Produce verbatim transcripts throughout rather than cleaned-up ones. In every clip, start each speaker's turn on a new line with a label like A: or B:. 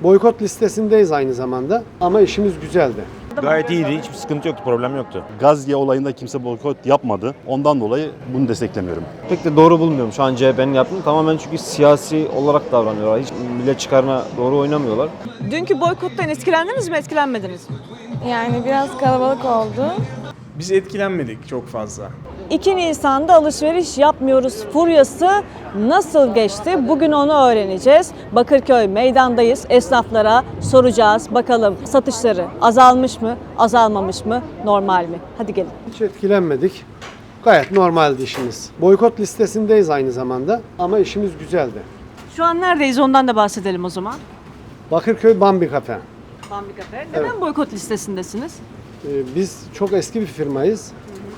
A: Boykot listesindeyiz aynı zamanda ama işimiz güzeldi.
B: Gayet iyiydi. Hiçbir sıkıntı yoktu, problem yoktu.
C: Gazze olayında kimse boykot yapmadı. Ondan dolayı bunu desteklemiyorum.
D: Pek de doğru bulmuyorum şu an C H P'nin yaptığını. Tamamen çünkü siyasi olarak davranıyorlar. Hiç millet çıkarına doğru oynamıyorlar.
E: Dünkü boykottan etkilendiniz mi, etkilenmediniz mi?
F: Yani biraz kalabalık oldu.
G: Biz etkilenmedik çok fazla.
E: iki Nisan'da alışveriş yapmıyoruz furyası nasıl geçti? Bugün onu öğreneceğiz. Bakırköy meydandayız. Esnaflara soracağız. Bakalım satışları azalmış mı, azalmamış mı, normal mi? Hadi gelin.
A: Hiç etkilenmedik. Gayet normaldi işimiz. Boykot listesindeyiz aynı zamanda ama işimiz güzeldi.
E: Şu an neredeyiz ondan da bahsedelim o zaman.
A: Bakırköy Bambi Kafe.
E: Bambi Kafe. Neden
A: Evet.
E: boykot listesindesiniz?
A: Ee, Biz çok eski bir firmayız.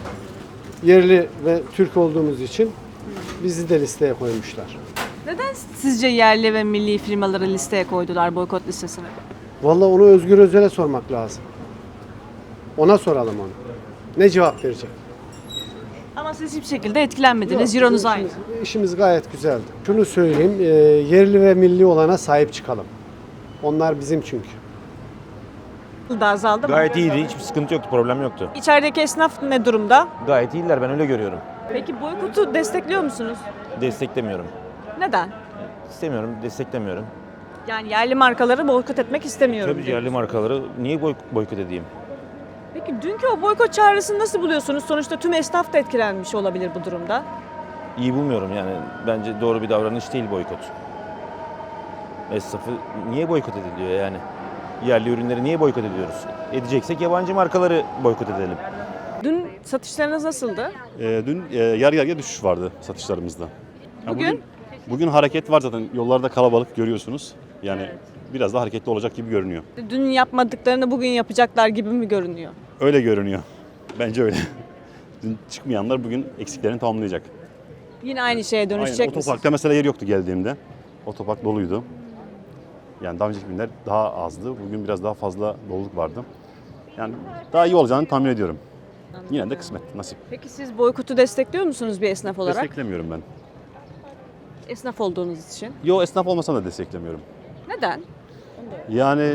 A: Yerli ve Türk olduğumuz için bizi de listeye koymuşlar.
E: Neden sizce yerli ve milli firmaları listeye koydular boykot listesine?
A: Vallahi onu Özgür Özel'e sormak lazım. Ona soralım onu. Ne cevap verecek?
E: Ama siz hiçbir şekilde etkilenmediniz.
A: Yok,
E: Euronuz
A: bizim
E: aynı.
A: işimiz, işimiz gayet güzeldi. Şunu söyleyeyim, e, yerli ve milli olana sahip çıkalım. Onlar bizim çünkü.
E: Da azaldı mı?
B: Gayet iyiydi. Hiçbir sıkıntı yoktu, problem yoktu.
E: İçerideki esnaf ne durumda?
B: Gayet iyiler, ben öyle görüyorum.
E: Peki boykotu destekliyor musunuz?
B: Desteklemiyorum.
E: Neden?
B: İstemiyorum, desteklemiyorum.
E: Yani yerli markaları boykot etmek istemiyorum.
B: Tabii
E: diyor.
B: yerli markaları niye boy boykot edeyim?
E: Peki dünkü o boykot çağrısını nasıl buluyorsunuz? Sonuçta tüm esnaf da etkilenmiş olabilir bu durumda.
B: İyi bulmuyorum yani. Bence doğru bir davranış değil boykot. Esnafı niye boykot ediliyor yani? Yerli ürünleri niye boykot ediyoruz? Edeceksek yabancı markaları boykot edelim.
E: Dün satışlarınız nasıldı?
C: Ee, dün e, yarı yarıya düşüş vardı satışlarımızda. Ya
E: Bugün?
C: Bugün hareket var zaten. Yollarda kalabalık görüyorsunuz. Yani biraz daha hareketli olacak gibi görünüyor.
E: Dün yapmadıklarını bugün yapacaklar gibi mi görünüyor?
C: Öyle görünüyor. Bence öyle. Dün çıkmayanlar bugün eksiklerini tamamlayacak.
E: Yine aynı şeye
C: Aynen.
E: dönüşecek misiniz?
C: Otoparkta mesela yer yoktu geldiğimde. Otopark doluydu. Yani daha önceki günler daha azdı. Bugün biraz daha fazla doluluk vardı. Yani daha iyi olacağını tahmin ediyorum. Yine de kısmet, nasip.
E: Peki siz boykotu destekliyor musunuz bir esnaf olarak?
C: Desteklemiyorum ben.
E: Esnaf olduğunuz için.
C: Yo, esnaf olmasam da desteklemiyorum.
E: Neden?
C: Yani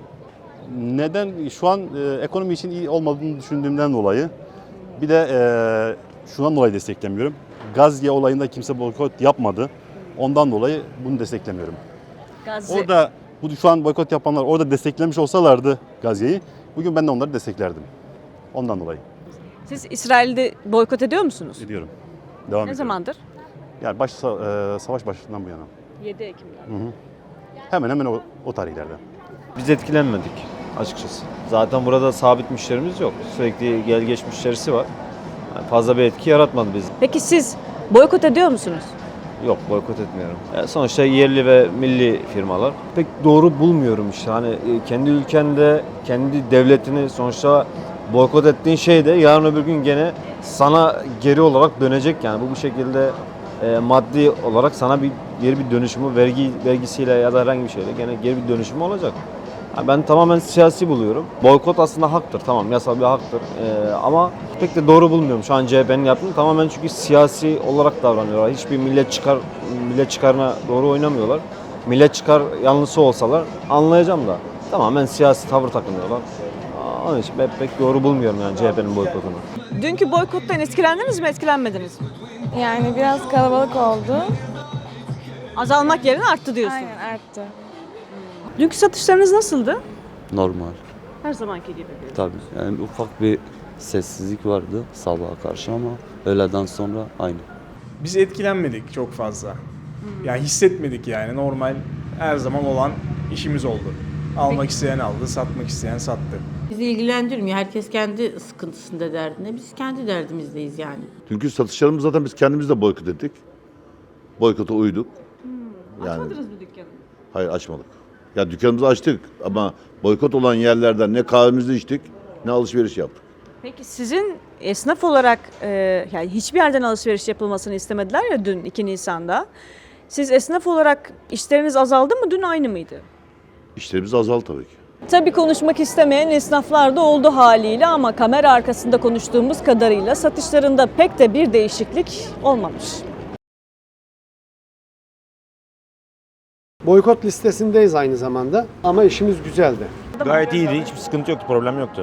C: neden? Şu an e, ekonomi için iyi olmadığını düşündüğümden dolayı. Bir de e, şundan dolayı desteklemiyorum. Gazze olayında kimse boykot yapmadı. Ondan dolayı bunu desteklemiyorum.
E: Gazze.
C: Orada bu şu an boykot yapanlar orada desteklemiş olsalardı Gazze'yi, bugün ben de onları desteklerdim. Ondan dolayı
E: Siz İsrail'de boykot ediyor musunuz?
C: ediyorum. Devam
E: Ne
C: ediyorum.
E: zamandır?
C: Yani baş, e, savaş başından bu yana.
E: yedi Ekim'de.
C: Hı hı. Hemen hemen o, o tarihlerde.
D: Biz etkilenmedik açıkçası. Zaten burada sabit müşterimiz yok. Sürekli gel geç müşterisi var. Yani fazla bir etki yaratmadı biz.
E: Peki siz boykot ediyor musunuz?
D: Yok, boykot etmiyorum. Yani sonuçta yerli ve milli firmalar. Pek doğru bulmuyorum işte. Hani e, kendi ülkende, kendi devletini sonuçta boykot ettiğin şey de yarın öbür gün gene sana geri olarak dönecek. Yani bu bu şekilde e, maddi olarak sana bir geri bir dönüşümü vergi vergisiyle ya da herhangi bir şeyle gene geri bir dönüşümü olacak. Yani ben tamamen siyasi buluyorum. Boykot aslında haktır, tamam, yasal bir haktır. Ee, ama pek de doğru bulmuyorum şu an C H P'nin yaptığını. Tamamen çünkü siyasi olarak davranıyorlar. Hiçbir millet çıkar millet çıkarına doğru oynamıyorlar. Millet çıkar yanlısı olsalar anlayacağım da tamamen siyasi tavır takınıyorlar. Aa, Onun için ben pek doğru bulmuyorum yani C H P'nin boykotunu.
E: Dünkü boykottan etkilendiniz mi, etkilenmediniz mi?
F: Yani biraz kalabalık oldu.
E: Azalmak yerine arttı diyorsun.
F: Aynen arttı.
E: Dünkü satışlarınız nasıldı?
H: Normal.
E: Her zamanki gibi.
H: Tabii. Yani ufak bir sessizlik vardı sabaha karşı ama öğleden sonra aynı.
G: Biz etkilenmedik çok fazla. Yani hissetmedik yani normal her zaman olan işimiz oldu. Almak isteyen aldı, satmak isteyen sattı.
I: Bizi ilgilendirmiyor. Herkes kendi sıkıntısında, derdinde. Biz kendi derdimizdeyiz yani.
J: Çünkü satışlarımız zaten biz kendimiz de boykot ettik. Boykota uyduk. Yani,
E: Açmadınız mı dükkanı?
J: hayır açmadık. Ya dükkanımızı açtık ama boykot olan yerlerden ne kahvemizi içtik ne alışveriş yaptık.
E: Peki sizin esnaf olarak e, yani hiçbir yerden alışveriş yapılmasını istemediler ya dün iki Nisan'da. Siz esnaf olarak işleriniz azaldı mı, dün aynı mıydı?
J: İşlerimiz azaldı tabii ki.
E: Tabii konuşmak istemeyen esnaflar da oldu haliyle ama kamera arkasında konuştuğumuz kadarıyla satışlarında pek de bir değişiklik olmamış.
A: Boykot listesindeyiz aynı zamanda ama işimiz güzeldi.
B: Gayet iyiydi. Hiçbir sıkıntı yoktu, problem yoktu.